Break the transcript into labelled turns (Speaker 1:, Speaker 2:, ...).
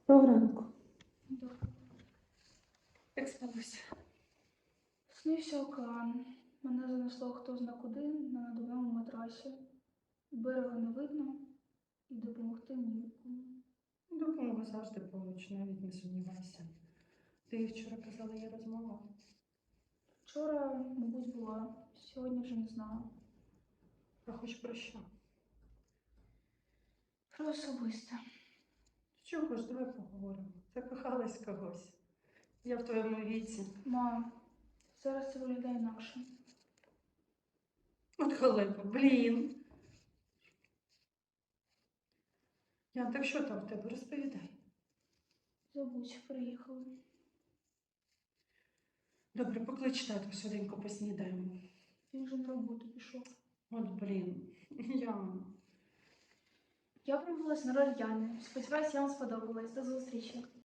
Speaker 1: Доброго ранку.
Speaker 2: Добре.
Speaker 1: Як спалося?
Speaker 2: Снився океан. Мене занесло хто зна куди на надувному матрасі. Берега не видно і допомогти нікому.
Speaker 1: Допомога завжди поруч, навіть не сумнівайся. Ти вчора казала, є розмова.
Speaker 2: Вчора, мабуть, була, сьогодні вже не знаю.
Speaker 1: А хоч про що?
Speaker 2: Про особисте.
Speaker 1: Чого ж, давай поговоримо. Закохалась когось. Я в твоєму віці.
Speaker 2: Мам, зараз це виглядає інакше.
Speaker 1: От халепа, блін. Ян, так що там в тебе? Розповідай.
Speaker 2: Забудь, приїхали.
Speaker 1: Добре, поклич тату, швиденько поснідаємо.
Speaker 2: Він вже на роботу пішов.
Speaker 1: От блін. Ян.
Speaker 2: Я пробувалась на роль Яни. Сподіваюсь, я вам сподобалась. До зустрічі.